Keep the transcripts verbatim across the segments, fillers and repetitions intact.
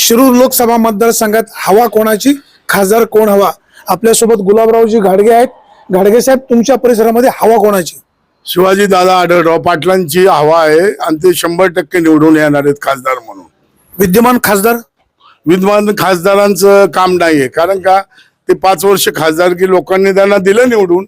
शिरूर लोकसभा मतदारसंघात हवा कोणाची, खासदार कोण हवा? आपल्यासोबत गुलाबरावजी घाडगे आहेत. घाडगे साहेब, तुमच्या परिसरामध्ये हवा कोणाची? शिवाजी दादा आढळराव पाटलांची हवा आहे आणि ते शंभर टक्के निवडून येणार आहेत खासदार म्हणून. विद्यमान खासदार विद्यमान खासदारांचं काम नाहीये, कारण का ते पाच वर्ष खासदारकी लोकांनी त्यांना दिलं निवडून,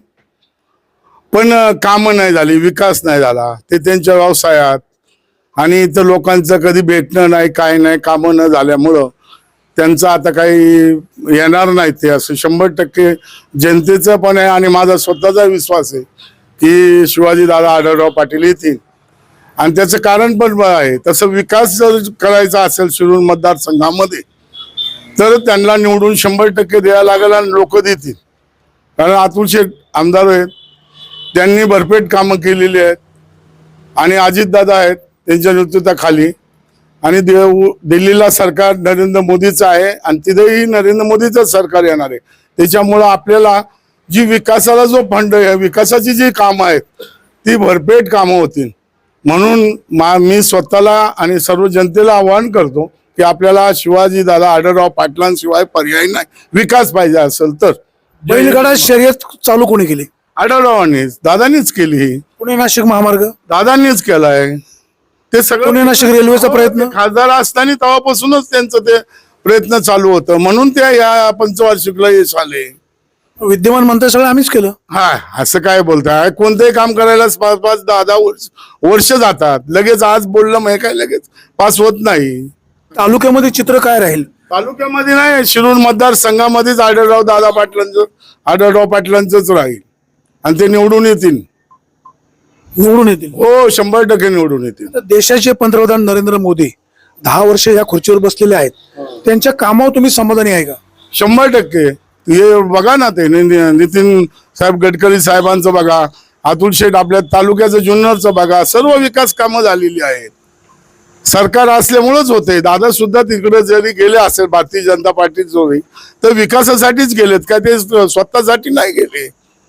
पण कामं नाही झाली, विकास नाही झाला. ते त्यांच्या व्यवसायात आणि इतर लोकांचं कधी भेटणं नाही, काय नाही, कामं न झाल्यामुळं त्यांचं आता काही येणार नाही. ते असं शंभर टक्के जनतेचं पण आहे आणि माझा स्वतःचा विश्वास आहे की शिवाजी दादा आढळराव पाटील येतील. आणि त्याचं कारण पण आहे, तसं विकास जर करायचा असेल शिरूर मतदारसंघामध्ये तर त्यांना निवडून शंभर टक्के द्यायला लागेल आणि लोक देतील. कारण अतुल शेठ आमदार आहेत, त्यांनी भरपेट कामं केलेली आहेत आणि अजितदादा आहेत त्यांच्या नेतृत्वाखाली. आणि दिल्लीला सरकार नरेंद्र मोदीचं आहे आणि तिथेही नरेंद्र मोदीचं सरकार येणार आहे. त्याच्यामुळं आपल्याला जी विकासाला जो फंड आहे, विकासाची जी कामं आहेत ती भरपेट कामं होतील. म्हणून मा मी स्वतःला आणि सर्व जनतेला आवाहन करतो की आपल्याला शिवाजी दादा आढळराव पाटलांशिवाय पर्याय नाही. विकास पाहिजे असेल तर. बैलगाडा शर्यत चालू कोणी केली? आढळरावांनीच, दादांनीच केली. पुणे नाशिक महामार्ग दादांनीच केलाय. ते सगळं पुणे नाशिक रेल्वेचा प्रयत्न खासदार असताना तेव्हापासूनच त्यांचं ते प्रयत्न चालू होतं, म्हणून ते या पंचवार्षिकला यश आले. विद्यमान म्हणताय सगळं आम्हीच केलं. हा, असं काय बोलताय? कोणतेही काम करायला पाच पाच दहा दहा वर्ष वर्ष जातात. लगेच आज बोललं मग काय लगेच पास होत नाही. तालुक्यामध्ये चित्र काय राहील? तालुक्यामध्ये नाही, शिरूर मतदारसंघामध्येच आढळराव दादा पाटलांचं आढळराव पाटलांचंच राहील आणि ते निवडून येतील. निवडून येतील? हो, शंभर टक्के निवडून येतील. देशाचे पंतप्रधान नरेंद्र मोदी दहा वर्ष या खुर्चीवर बसलेले आहेत, त्यांच्या कामावर तुम्ही समाधानी आहे का? शंभर टक्के. हे बघा ना, ते नितीन साहेब गडकरी साहेबांचं बघा, अतुल शेठ आपल्या तालुक्याचं जुन्नरचं बघा, सर्व विकास कामं झालेली आहेत. सरकार असल्यामुळेच होते. दादा सुद्धा तिकडे जरी गेले असेल भारतीय जनता पार्टी जोरी, तर विकासासाठीच गेलेत का, ते स्वतःसाठी नाही गेले.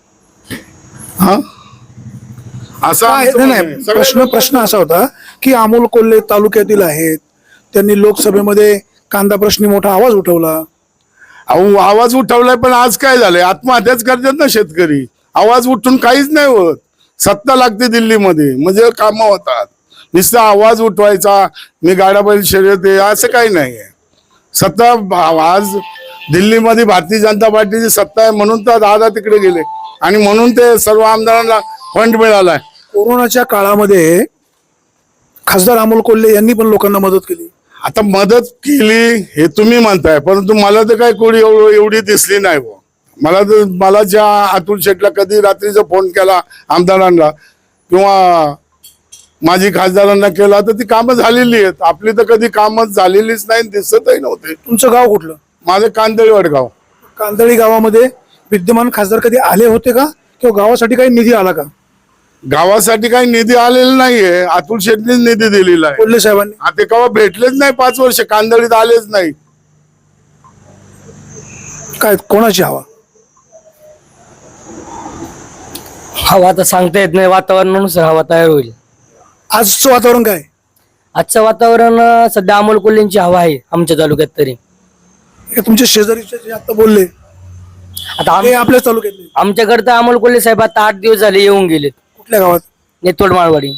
हा, असा नाही. प्रश्न प्रश्न असा होता की अमोल कोल्हे तालुक्यातील आहेत, त्यांनी लोकसभेमध्ये कांदा प्रश्नी मोठा आवाज उठवला. अहो, आवाज उठवलाय, पण आज काय झालंय? आत्महत्याच करतात ना शेतकरी. आवाज उठून काहीच नाही होत. सत्ता लागते दिल्लीमध्ये म्हणजे कामं होतात. नुसता आवाज उठवायचा, मी गाडा बैल शर्यत आहे, असं काही नाही आहे. सत्ता आज दिल्लीमध्ये भारतीय जनता पार्टीची सत्ता आहे, म्हणून तर दादा तिकडे गेले आणि म्हणून ते सर्व आमदारांना फंड मिळालाय. कोरोनाच्या काळामध्ये खासदार अमोल कोल्हे यांनी पण लोकांना मदत केली. आता मदत केली हे तुम्ही म्हणताय, परंतु मला तर काय कोणी एवढी दिसली नाही. व मला तर मला ज्या अतुल शेठला कधी रात्रीचा फोन केला आमदारांना किंवा माझी खासदारांना केला तर ती कामं झालेली आहेत. आपली तर कधी कामच झालेलीच नाही, दिसतही नव्हते. तुमचं गाव कुठलं? माझं कांदळी वडगाव. कांदळी गावामध्ये विद्यमान खासदार कधी आले होते का, किंवा गावासाठी काही निधी आला का? गावासाठी काही निधी आलेला नाहीये, अतुल शेठनीच निधी दिलेला आहे. कोल्हे साहेबांनी आता केव्हा भेटलेच नाही, पाच वर्ष कांदळीत आलेच नाही. काय कोणाची हवा? हवा तर सांगता येत नाही, वातावरणानुसार हवा तयार होईल. आजचं वातावरण काय? आजचं वातावरण अं, सध्या अमोल कोल्हेंची हवा आहे आमच्या तालुक्यात. तरी हे तुमचे शेजारीचे जे आता बोलले, आता आम- हे आपल्या तालुक्यातले आमच्याकडे तर अमोल कोल्हे साहेब आता आठ दिवस झाले येऊन गेलेत. कुठल्या गावात? नेतोड माळवाडी.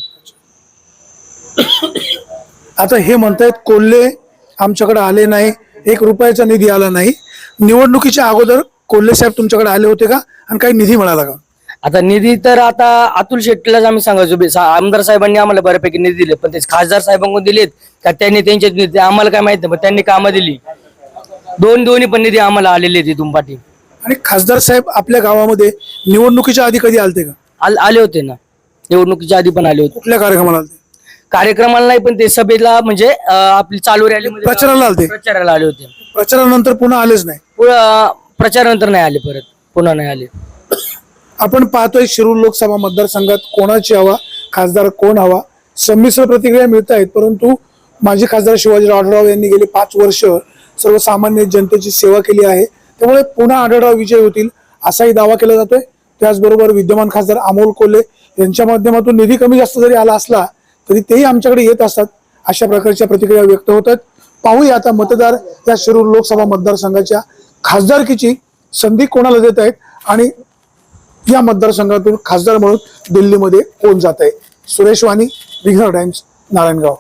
आता हे म्हणतायत कोल्हे आमच्याकडे आले नाही, एक रुपयाचा निधी आला नाही. निवडणुकीच्या अगोदर कोल्हे साहेब तुमच्याकडे आले होते का, आणि काही निधी मिळाला का? आता निधी तर आता अतुल शेट्टीलाच आम्ही सांगायचो, बे- सा- आमदार साहेबांनी आम्हाला बऱ्यापैकी निधी दिले, पण ते खासदार साहेबांकडून दिलेत का त्यांनी त्यांचे निधी आम्हाला काय माहित नाही, पण त्यांनी कामं दिली. दोन दोन्ही पण निधी आम्हाला आलेले आहेत इथून पाठी. आणि खासदार साहेब आपल्या गावामध्ये निवडणुकीच्या आधी कधी आलते का? आल- आले होते ना, निवडणुकीच्या आधी पण आले होते. कुठल्या कार्यक्रमाला आलते? कार्यक्रमाला नाही, पण ते सभेला म्हणजे अं, आपली चालू रॅली प्रचाराला आलते? प्रचाराला आले होते. प्रचारानंतर पुन्हा आलेच नाही. पुढं प्रचारानंतर नाही आले, परत पुन्हा नाही आले. आपण पाहतोय शिरूर लोकसभा मतदारसंघात कोणाची हवा, खासदार कोण हवा, संमिश्र प्रतिक्रिया मिळत आहेत. परंतु माजी खासदार शिवाजीराव आढळराव यांनी गेली पाच वर्ष सर्वसामान्य जनतेची सेवा केली आहे, त्यामुळे पुन्हा आढळराव विजय होतील असाही दावा केला जातोय. त्याचबरोबर विद्यमान खासदार अमोल कोल्हे यांच्या माध्यमातून निधी कमी जास्त जरी आला असला तरी तेही आमच्याकडे येत असतात, अशा प्रकारच्या प्रतिक्रिया व्यक्त होतात. पाहूया आता मतदार या शिरूर लोकसभा मतदारसंघाच्या खासदारकीची संधी कोणाला देत आहेत आणि या मतदारसंघातून खासदार म्हणून दिल्लीमध्ये कोण जात आहे. सुरेश वाणी, विघ्नर टाइम्स, नारायणगाव.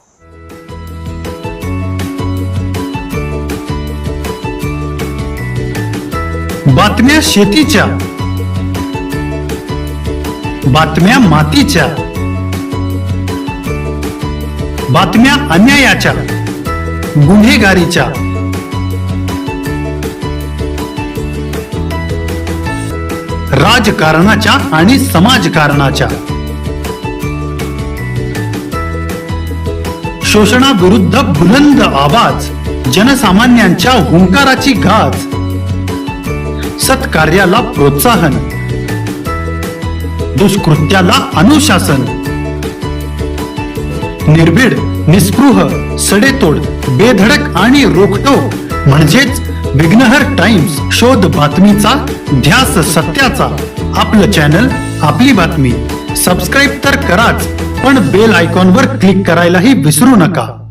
बातम्या शेतीच्या, बातम्या मातीच्या, बातम्या अन्यायाच्या, गुन्हेगारीच्या, राजकारणाच्या आणि समाजकारणाच्या, शोषणाविरुद्ध बुलंद आवाज, जनसामान्यांच्या हुंकाराची गाज, सत्कार्याला प्रोत्साहन, दुष्कृत्याला अनुशासन, निर्भीड, निस्पृह, सडेतोड, बेधडक आणि रोखटोक म्हणजेच विघ्नहर टाइम्स. शोध बातमीचा, ध्यास सत्याचा. आपलं चॅनल, आपली बातमी. सबस्क्राईब तर कराच, पण बेल आयकॉनवर क्लिक करायलाही विसरू नका.